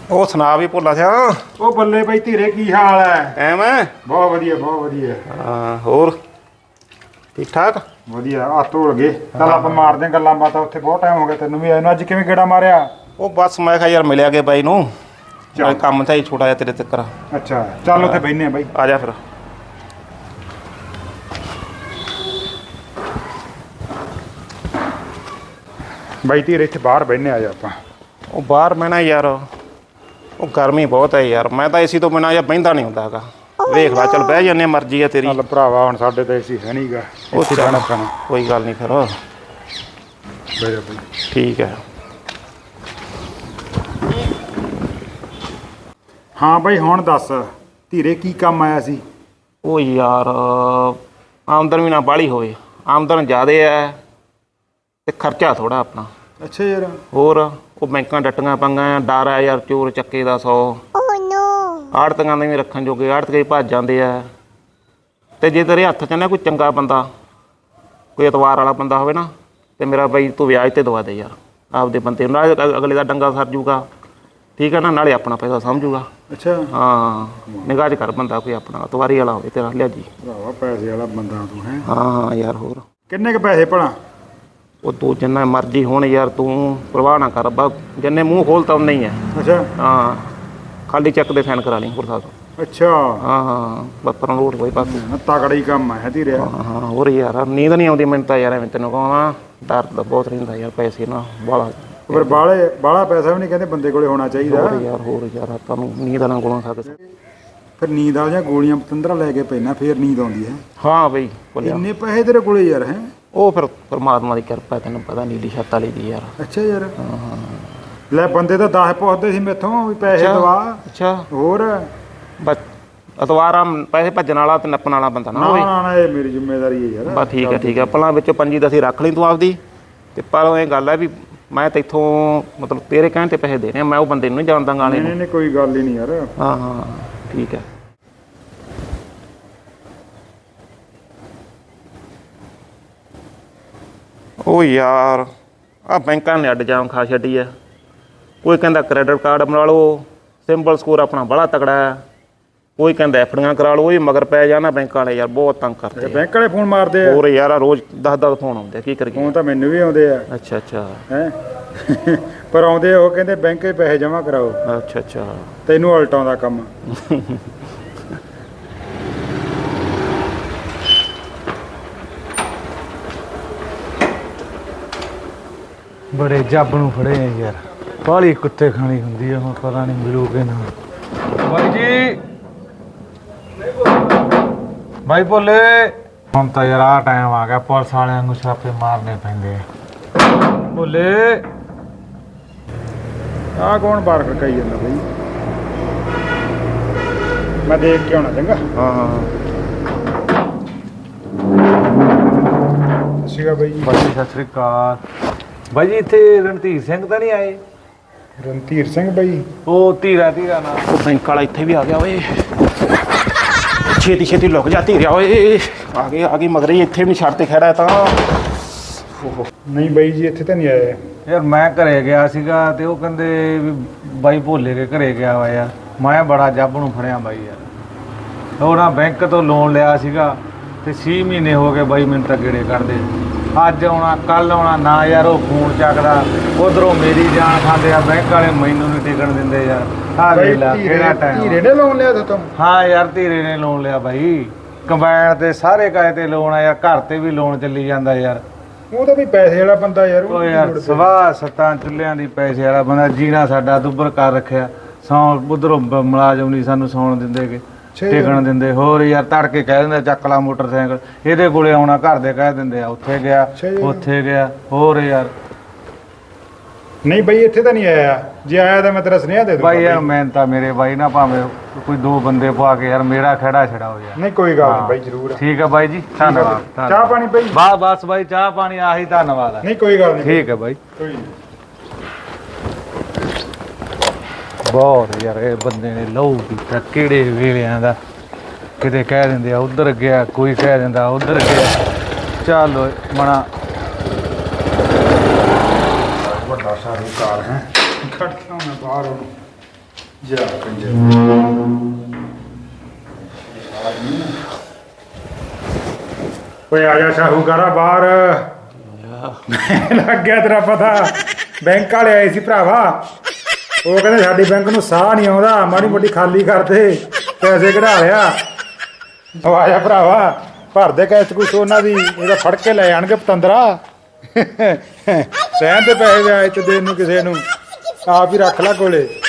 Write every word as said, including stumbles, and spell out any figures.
ਉਹ ਸੁਣਾ ਵੀ ਭੁੱਲਾ ਸਿਆ। ਉਹ ਬੱਲੇ ਬਈ ਧੀਰੇ ਕੀ ਹਾਲ ਹੈ? ਐਵੇਂ ਬਹੁਤ ਵਧੀਆ ਬਹੁਤ ਵਧੀਆ। ਹਾਂ ਹੋਰ ਠੀਕ ਠਾਕ ਵਧੀਆ। ਹੱਥ ਧੋਲ ਗਏ। ਚੱਲ ਆਪਾਂ ਮਾਰਦੇ ਆਂ ਗੱਲਾਂ ਬਾਤਾਂ। ਉੱਥੇ ਬਹੁਤ ਟਾਈਮ ਹੋ ਗਿਆ ਤੈਨੂੰ ਵੀ ਆਏ ਨੂੰ। ਅੱਜ ਕਿਵੇਂ ਗੇੜਾ ਮਾਰਿਆ? ਉਹ ਬਸ ਮੈਂ ਕਿਹਾ ਯਾਰ ਮਿਲਿਆ ਗਿਆ ਬਾਈ ਨੂੰ। ਚੱਲ ਕੰਮ ਤਾਂ ਹੀ ਛੋਟਾ ਜਿਹਾ ਤੇਰੇ ਤੱਕ। ਅੱਛਾ ਚੱਲ ਉੱਥੇ ਬਹਿਨੇ ਆ ਬਾਈ। ਆ ਜਾ ਫਿਰ। ਬਾਈ ਧੀਰੇ ਇੱਥੇ ਬਾਹਰ ਬਹਿਨੇ ਆ ਜਾ ਆਪਾਂ। ਉਹ ਬਾਹਰ ਮੈਂ ਨਾ ਯਾਰ ਉਹ ਗਰਮੀ ਬਹੁਤ ਹੈ ਯਾਰ। ਮੈਂ ਤਾਂ ਏਸੀ ਤੋਂ ਬਿਨਾਂ ਜਾਂ ਬਹਿੰਦਾ ਨਹੀਂ ਹੁੰਦਾ ਹੈਗਾ। ਵੇਖ ਲੈ ਚੱਲ ਬਹਿ ਜਾਂਦੇ ਮਰਜ਼ੀ ਆ ਤੇਰੀ। ਚੱਲ ਭਰਾਵਾ ਹੁਣ ਸਾਡੇ ਤਾਂ ਏਸੀ ਹੈ ਨਹੀਂਗਾ। ਉਹ ਕੋਈ ਗੱਲ ਨਹੀਂ ਫਿਰ। ਬਹਿ ਜਾ ਬਾਈ। ਠੀਕ ਹੈ। ਹਾਂ ਬਾਈ ਹੁਣ ਦੱਸ ਧੀਰੇ ਕੀ ਕੰਮ ਆਇਆ ਸੀ? ਉਹ ਯਾਰ ਆਮਦਨ ਵੀ ਨਾ ਬਾਹਲੀ ਹੋਵੇ। ਆਮਦਨ ਜ਼ਿਆਦਾ ਹੈ ਤੇ ਖਰਚਾ ਥੋੜਾ ਆਪਣਾ। ਅੱਛਾ ਯਾਰ। ਹੋਰ ਉਹ ਬੈਂਕਾਂ ਡੱਟੀਆਂ ਪੰਗਾਂ। ਡਰ ਆ ਯਾਰ ਚੋਰ ਚੱਕੇ ਦਾ ਸੌ। ਆੜਤੀਆਂ ਦੇ ਵੀ ਰੱਖਣ ਜੋਗੇ ਆੜਤੀਏ ਭੱਜ ਜਾਂਦੇ ਆ। ਤੇ ਜੇ ਤੇਰੇ ਹੱਥ 'ਚ ਨਾ ਕੋਈ ਚੰਗਾ ਬੰਦਾ ਕੋਈ ਐਤਵਾਰ ਵਾਲਾ ਬੰਦਾ ਹੋਵੇ ਨਾ ਤੇ ਮੇਰਾ ਬਾਈ ਤੂੰ ਵਿਆਜ ਤੇ ਦਵਾ ਦੇ ਯਾਰ ਆਪਦੇ ਬੰਦੇ ਨੂੰ। ਨਾਲੇ ਅਗਲੇ ਦਾ ਡੰਗਾ ਸਰ ਜੂਗਾ ਠੀਕ ਹੈ ਨਾ। ਨਾਲੇ ਆਪਣਾ ਪੈਸਾ ਸਮਝੂਗਾ। ਅੱਛਾ ਹਾਂ ਨਿਗਾਹ 'ਚ ਕਰ ਬੰਦਾ ਕੋਈ ਆਪਣਾ ਐਤਵਾਰੀ ਵਾਲਾ ਹੋਵੇ ਤੇਰਾ ਲਿਆ ਜੀ। ਭਰਾਵਾ ਪੈਸੇ ਵਾਲਾ ਬੰਦਾ ਤੂੰ ਹੈ। ਹਾਂ ਹਾਂ ਯਾਰ ਹੋਰ ਕਿੰਨੇ ਕੁ ਪੈਸੇ ਭਲਾ? ਉਹ ਤੂੰ ਜਿੰਨਾ ਮਰਜ਼ੀ ਹੋਣ ਯਾਰ ਤੂੰ ਪਰਵਾਹ ਨਾ ਕਰ। ਬਸ ਜਿੰਨੇ ਮੂੰਹ ਖੋਲਤਾ ਉਨਾ ਹੀ ਹੈ। ਅੱਛਾ ਹਾਂ ਖਾਲੀ ਚੈੱਕ ਦੇ ਸਾਈਨ ਕਰਾ ਲਈ ਹੋਰ ਸਾਹਿਬ। ਅੱਛਾ ਹਾਂ ਹਾਂ ਬੱਪਰ ਰੋਡ ਕੋਈ ਪਾਸੇ। ਤਗੜਾ ਹੀ ਕੰਮ ਹੈ ਧੀਰੇ। ਹਾਂ ਹਾਂ ਹੋਰ ਯਾਰ ਨੀਂਦ ਨਹੀਂ ਆਉਂਦੀ ਮੈਨੂੰ ਤਾਂ ਯਾਰ। ਐਵੇਂ ਤੈਨੂੰ ਕਹਾਂ ਡਰ ਤਾਂ ਬਹੁਤ ਰਹਿੰਦਾ ਯਾਰ। ਪੈਸੇ ਨਾ ਬਾਹਲਾ ਪਰ ਬਾਹਲੇ ਬਾਹਲਾ ਪੈਸਾ ਵੀ ਨਹੀਂ ਕਹਿੰਦੇ ਬੰਦੇ ਕੋਲੇ ਹੋਣਾ ਚਾਹੀਦਾ। ਹੋਰ ਯਾਰ ਹੋਰ ਯਾਰ ਤੁਹਾਨੂੰ ਨੀਂਦ ਨਾ ਕੋਲੋਂ ਸਕਦੇ। ਫਿਰ ਨੀਂਦ ਆ ਜਾਂ ਗੋਲੀਆਂ ਪਤੰਦਰਾ ਲੈ ਕੇ ਪੈਣਾ ਫਿਰ ਨੀਂਦ ਆਉਂਦੀ ਹੈ। ਹਾਂ ਬਈ ਇੰਨੇ ਪੈਸੇ ਤੇਰੇ ਕੋਲੇ ਯਾਰ ਹੈ? ਉਹ ਫਿਰ ਪਰਮਾਤਮਾ ਦੀ ਕਿਰਪਾ ਤੈਨੂੰ ਪਤਾ ਨੀਲੀ ਛੱਤ ਵਾਲੀ ਦੀ ਯਾਰ। ਅੱਛਾ ਯਾਰ। ਹਾਂ ਲੈ ਬੰਦੇ ਤਾਂ ਦਸ ਪੁੱਛਦੇ ਸੀ ਮੈਥੋਂ ਵੀ ਪੈਸੇ ਦਵਾ। ਅੱਛਾ ਹੋਰ ਬਸ ਅਤਵਾਰਾ ਪੈਸੇ ਭੱਜਣ ਵਾਲਾ ਤੇ ਨੱਪਣ ਵਾਲਾ ਬੰਦਾ ਨਾ ਹੋਵੇ। ਨਾ ਨਾ ਇਹ ਮੇਰੀ ਜ਼ਿੰਮੇਵਾਰੀ ਹੈ ਯਾਰ। ਬਸ ਠੀਕ ਹੈ ਠੀਕ ਹੈ। ਪਹਿਲਾਂ ਵਿੱਚੋਂ ਪੰਜੀ ਦਸੀ ਰੱਖ ਲਈ ਤੂੰ ਆਪਦੀ। ਤੇ ਪਰ ਇਹ ਗੱਲ ਹੈ ਵੀ ਮੈਂ ਤਾਂ ਇੱਥੋਂ ਮਤਲਬ ਤੇਰੇ ਕਹਿਣ ਤੇ ਪੈਸੇ ਦੇਣੇ ਆ। ਮੈਂ ਉਹ ਬੰਦੇ ਨੂੰ ਨਹੀਂ ਜਾਣਦਾ ਗਾਣੇ ਨੂੰ। ਨਹੀਂ ਨਹੀਂ ਕੋਈ ਗੱਲ ਹੀ ਨਹੀਂ ਯਾਰ। ਹਾਂ ਹਾਂ ਠੀਕ ਹੈ। ਉਹ ਯਾਰ ਆਹ ਬੈਂਕਾਂ ਨੇ ਅੱਡ ਜਾਮ ਖਾ ਛੱਡੀ ਹੈ। ਕੋਈ ਕਹਿੰਦਾ ਕ੍ਰੈਡਿਟ ਕਾਰਡ ਬਣਾ ਲਓ ਸਿੰਬਲ ਸਕੋਰ ਆਪਣਾ ਬੜਾ ਤਕੜਾ ਹੈ। ਕੋਈ ਕਹਿੰਦਾ ਐਫ ਡੀਆਂ ਕਰਾ ਲਓ। ਇਹ ਮਗਰ ਪੈ ਜਾਣਾ ਬੈਂਕਾਂ ਵਾਲੇ ਯਾਰ ਬਹੁਤ ਤੰਗ ਕਰਦੇ। ਬੈਂਕ ਵਾਲੇ ਫੋਨ ਮਾਰਦੇ ਆ? ਹੋਰ ਯਾਰ ਰੋਜ਼ ਦਸ ਦਸ ਫੋਨ ਆਉਂਦੇ। ਕੀ ਕਰੀਏ? ਫੋਨ ਤਾਂ ਮੈਨੂੰ ਵੀ ਆਉਂਦੇ ਆ। ਅੱਛਾ ਅੱਛਾ ਹੈ ਪਰ ਆਉਂਦੇ ਉਹ ਕਹਿੰਦੇ ਬੈਂਕ 'ਚ ਪੈਸੇ ਜਮ੍ਹਾਂ ਕਰਾਓ। ਅੱਛਾ ਅੱਛਾ ਤੈਨੂੰ ਉਲਟਾਂ ਦਾ ਕੰਮ। ਬੜੇ ਜੱਬ ਨੂੰ ਫੜੇ ਆ ਯਾਰ। ਬਾਹਲੀ ਕੁੱਤੇ ਖਾਣੀ ਹੁੰਦੀ ਆ। ਹੁਣ ਪਤਾ ਨਹੀਂ ਮਿਲੂਗੇ ਨਾ। ਬਾਈ ਜੀ ਬਾਈ ਭੋਲੇ ਹੁਣ ਤਾਂ ਯਾਰ ਆਹ ਟਾਈਮ ਆ ਗਿਆ ਪੁਲਿਸ ਵਾਲਿਆਂ ਨੂੰ ਛਾਪੇ ਮਾਰਨੇ ਪੈਂਦੇ ਆ। ਭੋਲੇ ਆਹ ਕੌਣ ਬਾਹਰ ਖੜਕਾਈ ਜਾਂਦਾ ਬਈ? ਮੈਂ ਦੇਖ ਕੇ ਆਉਣਾ ਚੰਗਾ। ਹਾਂ ਹਾਂ ਸਤਿ ਸ਼੍ਰੀ ਅਕਾਲ ਬਾਈ ਜੀ। ਬਾਈ ਸਤਿ ਸ੍ਰੀ ਅਕਾਲ। ਬਾਈ ਜੀ ਇੱਥੇ ਰਣਧੀਰ ਸਿੰਘ ਤਾਂ ਨਹੀਂ ਆਏ? ਰਣਧੀਰ ਸਿੰਘ ਬਾਈ? ਉਹ ਧੀਰਾ ਧੀਰਾ ਨਾਲ ਉਹ ਬੈਂਕ ਵਾਲਾ ਇੱਥੇ ਵੀ ਆ ਗਿਆ ਓਏ। ਛੇਤੀ ਛੇਤੀ ਲੁਕ ਜਾ ਧੀਰਿਆ ਓਏ। ਆ ਗਏ ਆ ਗਏ ਮਗਰ ਹੀ ਇੱਥੇ ਵੀ ਛੱਡ ਤੇ ਖੜਾ ਤਾਂ। ਨਹੀਂ ਬਾਈ ਜੀ ਇੱਥੇ ਤਾਂ ਨਹੀਂ ਆਏ ਯਾਰ। ਮੈਂ ਘਰੇ ਗਿਆ ਸੀਗਾ ਤੇ ਉਹ ਕਹਿੰਦੇ ਵੀ ਬਾਈ ਭੋਲੇ ਕੇ ਘਰੇ ਗਿਆ ਵਾ ਯਾਰ। ਮੈਂ ਬੜਾ ਜੱਬ ਨੂੰ ਫੜਿਆ ਬਾਈ ਯਾਰ। ਉਹ ਨਾ ਬੈਂਕ ਤੋਂ ਲੋਨ ਲਿਆ ਸੀਗਾ ਤੇ ਛੇ ਮਹੀਨੇ ਹੋ ਗਏ ਬਾਈ ਮੈਨੂੰ ਤਾਂ ਗੇੜੇ ਕੱਢਦੇ। ਅੱਜ ਆਉਣਾ ਕੱਲ ਆਉਣਾ ਨਾ ਯਾਰ। ਉਹ ਫੋਨ ਚੱਕਦਾ ਉਧਰੋਂ ਮੇਰੀ ਜਾਨ ਖਾਂਦੇ ਆ। ਬੈਂਕ ਵਾਲੇ ਮੈਨੂੰ ਨਹੀਂ ਟਿਕਣ ਦਿੰਦੇ ਯਾਰ। ਆ ਵੇਖ ਲੈ ਕਿਹੜਾ ਟਾਈਮ। ਧੀਰੇ ਨੇ ਲੋਨ ਲਿਆ ਤੋਂ? ਹਾਂ ਯਾਰ ਧੀਰੇ ਨੇ ਲੋਨ ਲਿਆ ਬਾਈ। ਕੰਬਾਈਨ ਤੇ ਸਾਰੇ ਕਾਏ ਤੇ ਲੋਨ ਆ ਯਾਰ। ਘਰ ਤੇ ਵੀ ਲੋਨ ਚੱਲੀ ਜਾਂਦਾ ਯਾਰ। ਉਹ ਤਾਂ ਵੀ ਪੈਸੇ ਵਾਲਾ ਬੰਦਾ ਯਾਰ। ਉਹ ਯਾਰ ਸਵਾਹ ਸੱਤਾਂ ਚੁੱਲ੍ਹਿਆਂ ਦੀ ਪੈਸੇ ਵਾਲਾ ਬੰਦਾ। ਜੀਣਾ ਸਾਡਾ ਦੁੱਬਰ ਕਰ ਰੱਖਿਆ। ਸੌਂ ਉਧਰੋਂ ਮੁਲਾਜ਼ਮ ਨਹੀਂ ਸਾਨੂੰ ਸੌਣ ਦਿੰਦੇ ਕਿ ਟਿਕਣ ਦਿੰਦੇ। ਹੋਰ ਯਾਰ ਤੜਕੇ ਕਹਿ ਦਿੰਦੇ ਚੱਕ ਲਾ ਮੋਟਰਸਾਈਕਲ। ਇਹਦੇ ਕੋਲੇ ਆਉਣਾ ਘਰ ਦੇ ਕਹਿ ਦਿੰਦੇ ਆ ਉੱਥੇ ਗਿਆ ਉੱਥੇ ਗਿਆ। ਹੋਰ ਯਾਰ ਨਹੀਂ ਬਈ ਇੱਥੇ ਤਾਂ ਨਹੀਂ ਆਇਆ। ਜੇ ਆਇਆ ਤਾਂ ਮੈਂ ਤੇਰਾ ਸੁਨੇਹਾ ਦੇ ਦੂੰਗਾ ਬਾਈ ਯਾਰ। ਮੈਂ ਤਾਂ ਮੇਰੇ ਬਾਈ ਨਾ ਭਾਵੇਂ ਕੋਈ ਦੋ ਬੰਦੇ ਪਵਾ ਕੇ ਯਾਰ ਮੇਰਾ ਖੜਾ ਛੜਾਓ ਯਾਰ। ਨਹੀਂ ਕੋਈ ਗੱਲ ਨਹੀਂ ਬਾਈ ਜ਼ਰੂਰ। ਠੀਕ ਹੈ ਬਾਈ ਜੀ ਧੰਨਵਾਦ। ਚਾਹ ਪਾਣੀ ਬਾਈ? ਬਸ ਬਸ ਬਾਈ ਚਾਹ ਪਾਣੀ ਆਹੀ ਧੰਨਵਾਦ ਆ। ਨਹੀਂ ਕੋਈ ਗੱਲ ਨਹੀਂ। ਠੀਕ ਹੈ ਬਾਈ। ਕੋਈ ਬਹੁਤ ਯਾਰ ਇਹ ਬੰਦੇ ਨੇ ਲਹੂ ਪੀਤਾ ਕਿਹੜੇ ਵੇਲਿਆਂ ਦਾ। ਕਿਤੇ ਕਹਿ ਦਿੰਦੇ ਆ ਉਧਰ ਗਿਆ ਕੋਈ ਕਹਿ ਦਿੰਦਾ ਉਧਰ ਗਿਆ। ਚੱਲ ਮਣਾ ਵੱਡਾ ਸਾਰੀ ਕਾਰ ਹੈ। ਖੜਦਾ ਮੈਂ ਬਾਹਰ ਉਹਨੂੰ ਜਾ ਕੰਜਰ ਓਏ ਆ ਜਾ ਸ਼ਾਹੂਕਾਰਾ ਬਾਹਰ ਲੱਗ ਗਿਆ ਤੇਰਾ ਪਤਾ। ਬੈਂਕ ਵਾਲੇ ਆਏ ਸੀ ਭਰਾਵਾ, ਉਹ ਕਹਿੰਦੇ ਸਾਡੀ ਬੈਂਕ ਨੂੰ ਸਾਹ ਨਹੀਂ ਆਉਂਦਾ, ਮਾੜੀ ਮੋਟੀ ਖਾਲੀ ਕਰ ਦੇ, ਪੈਸੇ ਕਢਾ ਲਿਆ। ਉਹ ਆ ਜਾ ਭਰਾਵਾ, ਭਰ ਦੇ ਕੈਸ਼ ਕੁਛ ਉਹਨਾਂ ਦੀ, ਇਹਦਾ ਫੜ ਕੇ ਲੈ ਜਾਣਗੇ ਪਤੰਦਰਾ। ਰਹਿਣ ਦੇ ਪੈਸੇ ਵਿਆਜ ਤੇ ਦੇਣ ਨੂੰ ਕਿਸੇ ਨੂੰ, ਆਪ ਹੀ ਰੱਖ ਲੈ ਕੋਲੇ।